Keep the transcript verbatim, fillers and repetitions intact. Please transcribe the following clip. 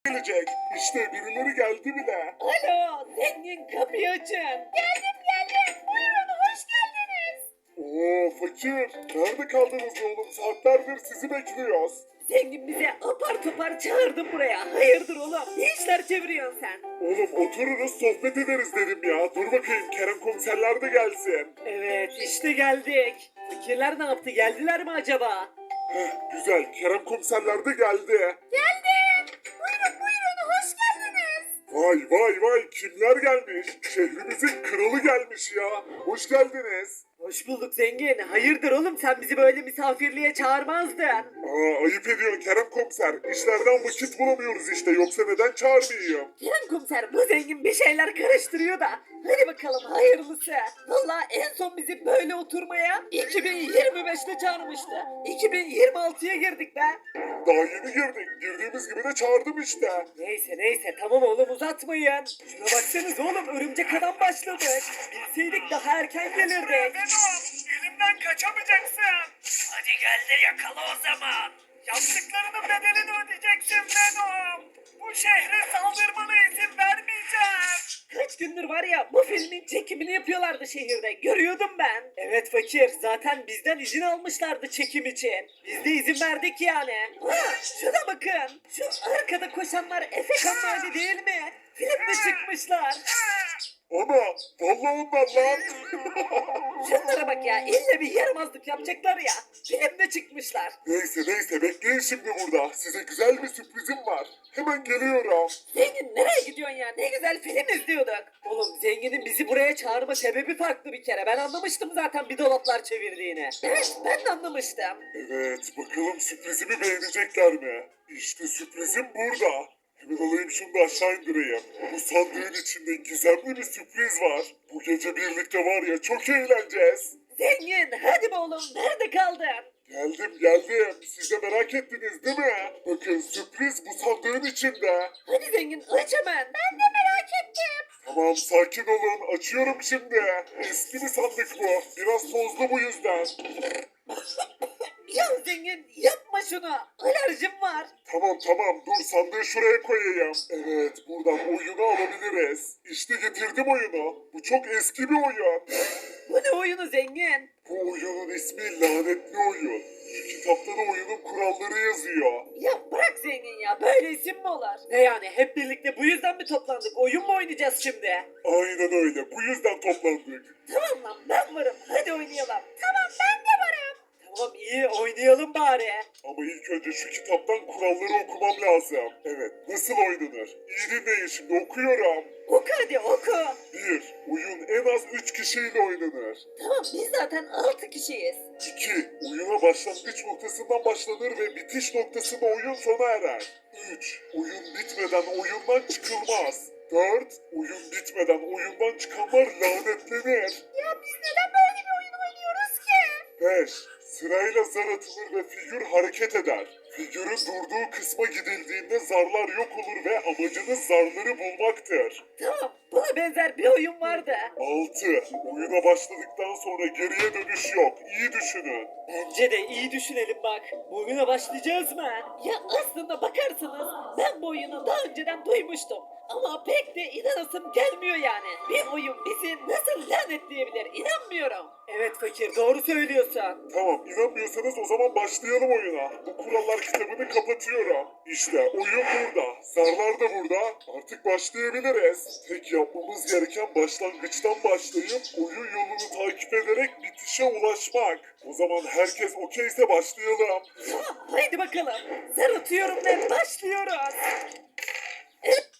gelecek. İşte birileri geldi bile. Alo, zengin kapıyı açın. Geldim geldim. Buyurun hoş geldiniz. Oo fakir. Nerede kaldınız oğlum? Saatlerdir sizi bekliyoruz. Zengin bize apar topar çağırdın buraya. Hayırdır oğlum? Ne işler çeviriyorsun sen? Oğlum otururuz sohbet ederiz dedim ya. Dur bakayım Kerem komiserler de gelsin. Evet işte geldik. Fikirler ne yaptı? Geldiler mi acaba? Heh, güzel. Kerem komiserler de geldi. Geldim. Buyurun buyurun hoş geldiniz. Vay vay vay kimler gelmiş? Şehrimizin kralı gelmiş ya. Hoş geldiniz. Hoş bulduk zengin. Hayırdır oğlum sen bizi böyle misafirliğe çağırmazdın. Aa, ayıp ediyorsun Kerem komiser. İşlerden vakit bulamıyoruz işte. Yoksa neden çağırmayayım? Kerem komiser bu zengin bir şeyler karıştırıyor da. Hadi bakalım hayırlısı. Valla en son bizi böyle oturmaya iki bin yirmi beşte çağırmıştı. iki bin yirmi altıya girdik be. Daha yeni girdik. Girdiğimiz gibi de çağırdım işte. Neyse neyse tamam oğlum uzatmayın. Şuna baksanız oğlum örümcek adam başladık. Bilseydik daha erken gelirdik. Venom, elimden kaçamayacaksın. Hadi gel de yakala o zaman. Yaptıklarının bedelini ödeyeceksin Venom. Bu şehre saldırmana izin vermeyeceğim. Kaç gündür var ya bu filmin çekimini yapıyorlardı şehirde. Görüyordum ben. Evet fakir zaten bizden izin almışlardı çekim için. Biz de izin verdik yani. Ha, şuna bakın. Şu arkada koşanlar Efekan Mavi değil mi? Filmde çıkmışlar. Ana vallahi onlar lan. Şunlara bak ya illa bir yaramazlık yapacaklar ya. Filmde çıkmışlar. Neyse neyse bekleyin şimdi burada. Size güzel bir sürprizim var. Hemen geliyorum. Zengin nereye gidiyorsun ya? Ne güzel film izliyorduk. Oğlum zenginin bizi buraya çağırma sebebi farklı bir kere. Ben anlamıştım zaten bir dolaplar çevirdiğini. Evet ben de anlamıştım. Evet bakalım sürprizimi beğenecekler mi? İşte sürprizim burada. Hemen alayım şunu da aşağı indireyim. Bu sandığın içinde gizemli bir sürpriz var. Bu gece birlikte var ya çok eğleneceğiz. Zengin hadi be oğlum nerede kaldın? Geldim geldim. Siz de merak ettiniz değil mi? Bakın sürpriz bu sandığın içinde. Hadi zengin aç hemen. Ben de merak ettim. Tamam sakin olun. Açıyorum şimdi. Eski bir sandık bu. Biraz tozlu bu yüzden. Ya zengin yapma şunu. Alerjim var. Tamam tamam dur sandığı şuraya koyayım. Evet buradan oyunu alabiliriz. İşte getirdim oyunu. Bu çok eski bir oyun. Bu ne oyunu zengin? Bu oyunun ismi lanetli oyun. Şu kitapta da oyunun kuralları yazıyor. Ya bırak zengin ya böyle isim mi olur? Ne yani hep birlikte bu yüzden mi toplandık? Oyun mu oynayacağız şimdi? Aynen öyle bu yüzden toplandık. Tamam lan ben varım. Hadi oynayalım. Tamam ben de varım. Tamam iyi oynayalım bari. Ama ilk önce şu kitaptan kuralları okumam lazım. Evet nasıl oynanır? İyi dinleyin şimdi okuyorum. Oku hadi oku. bir. Oyun en az üç kişiyle oynanır. Tamam biz zaten altı kişiyiz. iki. Oyuna başlangıç noktasından başlanır ve bitiş noktasında oyun sona erer. üç. Oyun bitmeden oyundan çıkılmaz. dört. Oyun bitmeden oyundan çıkanlar lanetlenir. Ya biz neden böyle bir oyun oynuyoruz ki? beş. Sırayla zar atılır ve figür hareket eder. Figürün durduğu kısma gidildiğinde zarlar yok olur ve amacınız zarları bulmaktır. Tamam buna benzer bir oyun vardı. altı. Oyuna başladıktan sonra geriye dönüş yok. İyi düşünün. Bence de iyi düşünelim bak. Bu oyuna başlayacağız mı? Ya aslında bakarsanız ben bu oyunu daha önceden duymuştum. Ama pek de inanasım gelmiyor yani. Bir oyun bizi nasıl lanetleyebilir inanmıyorum. Evet fakir doğru söylüyorsun. Tamam inanmıyorsanız o zaman başlayalım oyuna. Bu kurallar kitabını kapatıyorum. İşte oyun burada. Zarlar da burada. Artık başlayabiliriz. Tek yapmamız gereken başlangıçtan başlayıp oyun yolunu takip ederek bitişe ulaşmak. O zaman herkes okeyse başlayalım. Tamam haydi bakalım. Zar atıyorum ve başlıyoruz. Evet